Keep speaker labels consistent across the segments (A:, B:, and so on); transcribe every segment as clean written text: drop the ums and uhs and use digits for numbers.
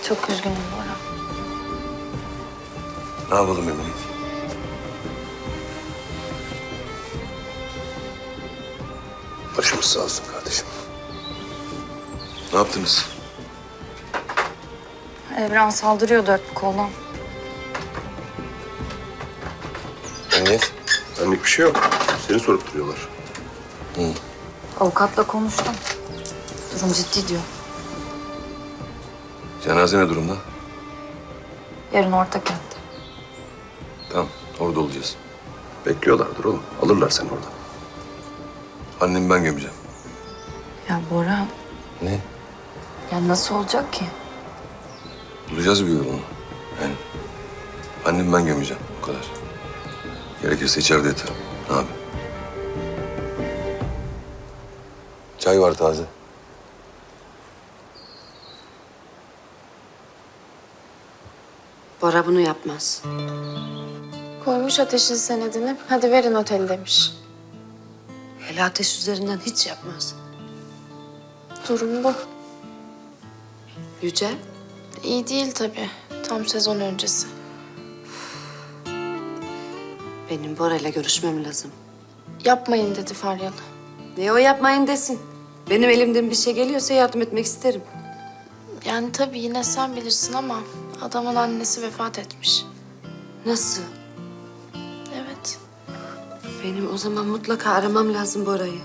A: Çok üzgünüm Bora.
B: Ne yapalım Eminim? Başımız sağ olsun kardeşim. Ne yaptınız?
A: Evren saldırıyor dört bir koldan.
B: Emniyet? Benlik bir şey yok. Seni sorup duruyorlar.
A: Avukatla konuştum. Durum ciddi diyor.
B: Cenaze ne durumda?
A: Yarın Ortakent'te.
B: Tamam, orada olacağız. Bekliyorlardır oğlum. Alırlar seni oradan. Annemi ben gömeceğim.
A: Ya Bora,
B: Ne?
A: ya nasıl olacak ki?
B: Bulacağız bir yolunu. Yani annemi ben gömeceğim. O kadar. Gerekirse içeride yatarım. Ne yapayım? Çay var taze.
C: Bora bunu yapmaz.
D: Koymuş ateşin senedini. Hadi verin oteli demiş.
C: Hele ateş üzerinden hiç yapmaz.
D: Durum bu.
C: Yüce,
D: İyi değil tabii. Tam sezon öncesi.
C: benim Bora ile görüşmem lazım.
D: Yapmayın dedi Faryalı.
C: Ne o yapmayın desin. Benim elimden bir şey geliyorsa yardım etmek isterim.
D: Yani tabii yine sen bilirsin ama adamın annesi vefat etmiş.
C: Nasıl?
D: Evet.
C: Benim o zaman mutlaka aramam lazım Bora'yı.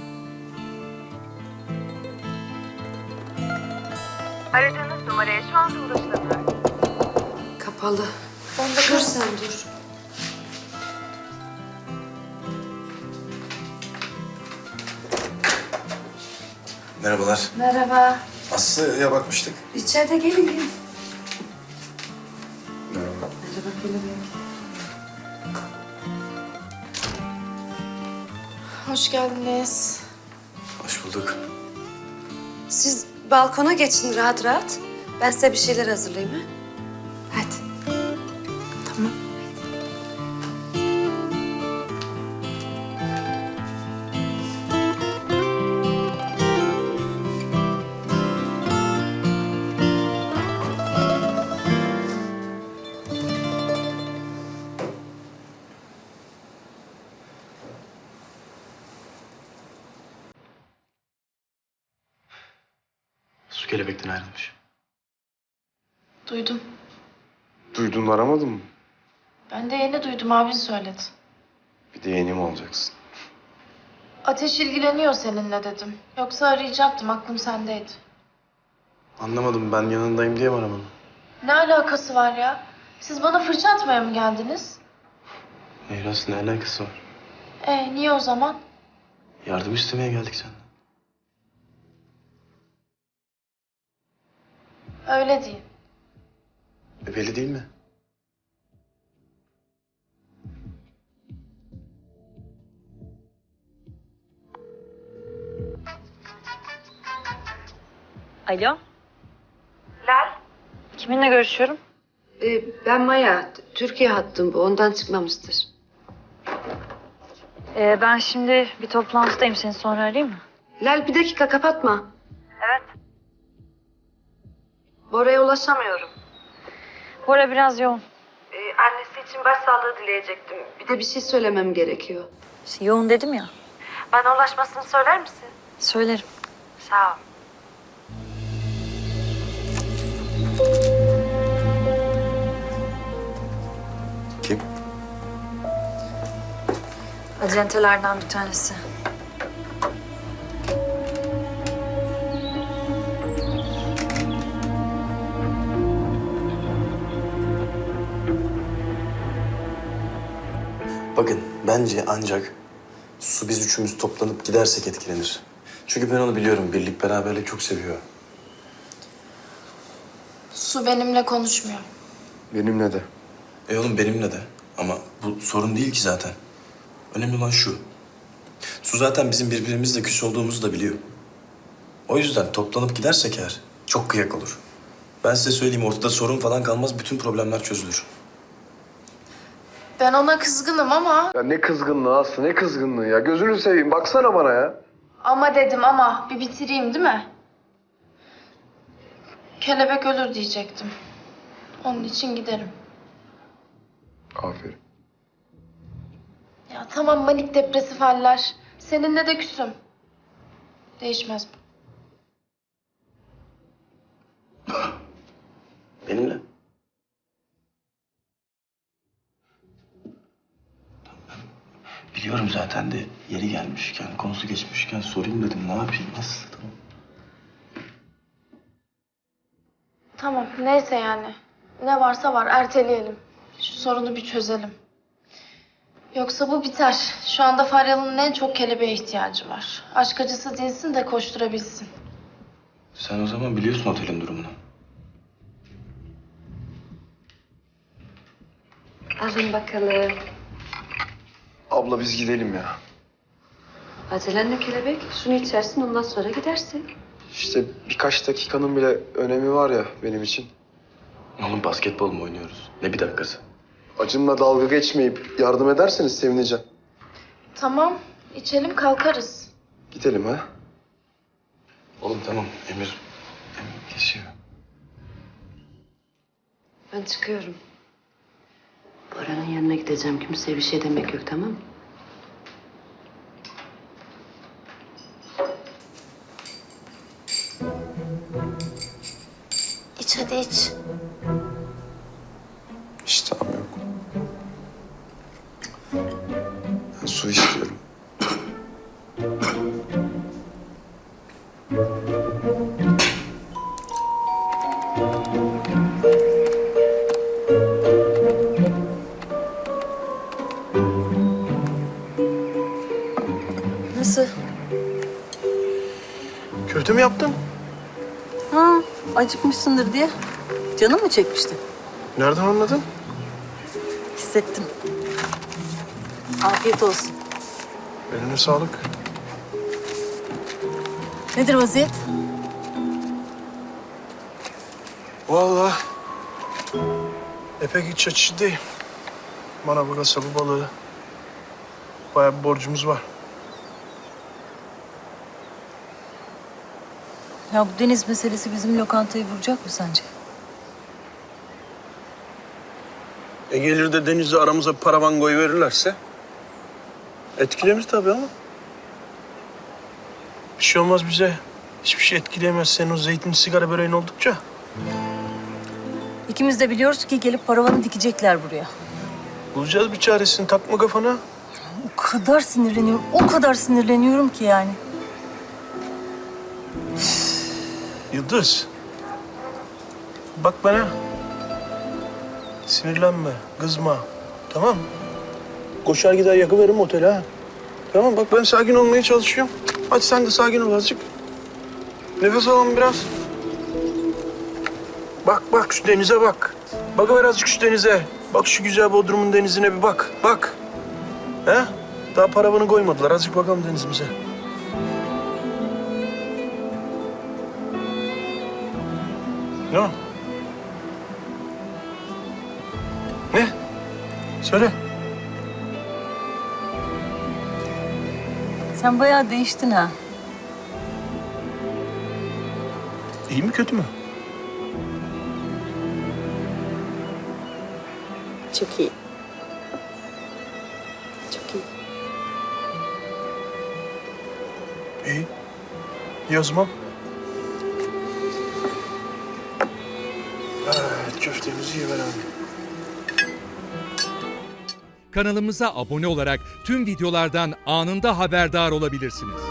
E: Aradığınız numaraya şu anda ulaşılamıyor.
C: Kapalı.
D: Ben de
C: Dur sen dur.
F: Merhabalar.
D: Merhaba.
F: Aslı'ya bakmıştık.
C: İçeride gelin.
F: Merhaba.
C: Merhaba kelebek.
D: Hoş geldiniz.
F: Hoş bulduk.
C: Siz balkona geçin rahat rahat. Ben size bir şeyler hazırlayayım ha. Hadi.
D: Tamam.
F: Su kelebekten ayrılmış.
D: Duydum.
F: Duydun aramadın mı?
D: Ben de yeni duydum, abin söyledi.
F: Bir de yeni mi olacaksın?
D: Ateş ilgileniyor seninle dedim. Yoksa arayacaktım, aklım sendeydi.
F: Anlamadım, ben yanındayım diye mi aramadın?
D: Ne alakası var ya? Siz bana fırça atmaya mı geldiniz?
F: Meyras, ne alakası var?
D: Niye o zaman?
F: Yardım istemeye geldik senden.
D: Öyle değil.
F: Belli değil mi?
A: Alo,
E: Lal,
A: kiminle görüşüyorum?
C: Ben Maya. Türkiye hattım bu. Ondan çıkmamıştır.
A: Ben şimdi bir toplantıdayım. Seni sonra arayayım mı?
C: Lal bir dakika kapatma.
E: evet.
C: Bora'ya ulaşamıyorum.
A: Bora biraz yoğun.
C: Annesi için başsağlığı dileyecektim. Bir de bir şey söylemem gerekiyor.
A: İşte yoğun dedim ya.
E: Bana ulaşmasını söyler misin?
A: Söylerim.
E: Sağ ol.
B: Kim?
A: Acentelerden bir tanesi.
F: Bakın, bence ancak Su biz üçümüz toplanıp gidersek etkilenir. Çünkü ben onu biliyorum, birlik beraberlik çok seviyor.
D: Su benimle konuşmuyor.
B: Benimle de.
F: Oğlum benimle de. Ama bu sorun değil ki zaten. Önemli olan şu. Su zaten bizim birbirimizle küs olduğumuzu da biliyor. O yüzden toplanıp gidersek eğer çok kıyak olur. Ben size söyleyeyim, ortada sorun falan kalmaz, bütün problemler çözülür.
D: Ben ona kızgınım ama...
G: Ya ne kızgınlığı Aslı, ne kızgınlığı ya. Gözünü seveyim, baksana bana ya.
D: Ama dedim ama bir bitireyim değil mi? kelebek ölür diyecektim. Onun için giderim.
G: Aferin.
D: Ya tamam, manik depresif haller. Seninle de küsüm. Değişmez bu.
F: Benimle. Biliyorum zaten de yeri gelmişken, konusu geçmişken sorayım dedim. Ne yapayım, nasıl? Tamam.
D: Tamam, neyse yani. Ne varsa var, erteleyelim. Şu sorunu bir çözelim. Yoksa bu biter. Şu anda Faryalı'nın en çok kelebeğe ihtiyacı var. Aşk acısı dinsin de koşturabilsin.
F: Sen o zaman biliyorsun otelin durumunu.
C: Alın bakalım.
G: Abla biz gidelim ya.
C: Acelenle kelebek. Şunu içersin ondan sonra gidersin.
G: İşte birkaç dakikanın bile önemi var ya benim için.
F: Oğlum basketbol mu oynuyoruz? Ne bir dakikası?
G: Acımla dalga geçmeyip yardım ederseniz sevineceğim.
D: Tamam, içelim kalkarız.
G: Gidelim ha.
F: Oğlum tamam, Emir kesiyor.
C: Ben çıkıyorum. Bora'nın yanına gideceğim. Kimseye bir şey demek yok, tamam mı?
D: İç hadi iç.
G: İştahım yok. Ben su istiyorum.
A: Nasıl?
H: Köfte mi yaptın?
I: Ha, acıkmışsındır diye. Canın mı çekmişti?
H: Nereden anladın?
I: Hissettim. Afiyet olsun.
H: Eline sağlık.
I: Nedir vaziyet?
H: Vallahi epey iç açıcı değil. Bana bu kasabı balığı. Bayağı bir borcumuz var.
A: Ya bu deniz meselesi bizim lokantayı vuracak mı sence?
H: Gelir de denizde aramıza paravan koyuverirlerse etkilemez tabii ama. Bir şey olmaz bize. Hiçbir şey etkileyemez senin o zeytin sigara böreğin oldukça.
I: İkimiz de biliyoruz ki gelip paravanı dikecekler buraya.
H: Bulacağız bir çaresini, takma kafana.
I: O kadar sinirleniyorum, o kadar sinirleniyorum ki yani.
H: Yıldız. Bak bana. Sinirlenme, kızma. Tamam mı? Koşar gider yakıveririm otele ha. Tamam bak ben sakin olmaya çalışıyorum. Hadi sen de sakin ol azıcık. Nefes alalım biraz. Bak bak şu denize bak. Bakıver azıcık şu denize. Bak şu güzel Bodrum'un denizine bir bak. Bak. He? Daha paravanı koymadılar. Azıcık bakalım denizimize. Ne o? Ne? Söyle.
I: Sen bayağı değiştin ha.
H: İyi mi kötü mü?
I: Çok iyi. Çok iyi.
H: İyi. Yazmam. Evet, köftemizi yiyelim.
J: Kanalımıza abone olarak tüm videolardan anında haberdar olabilirsiniz.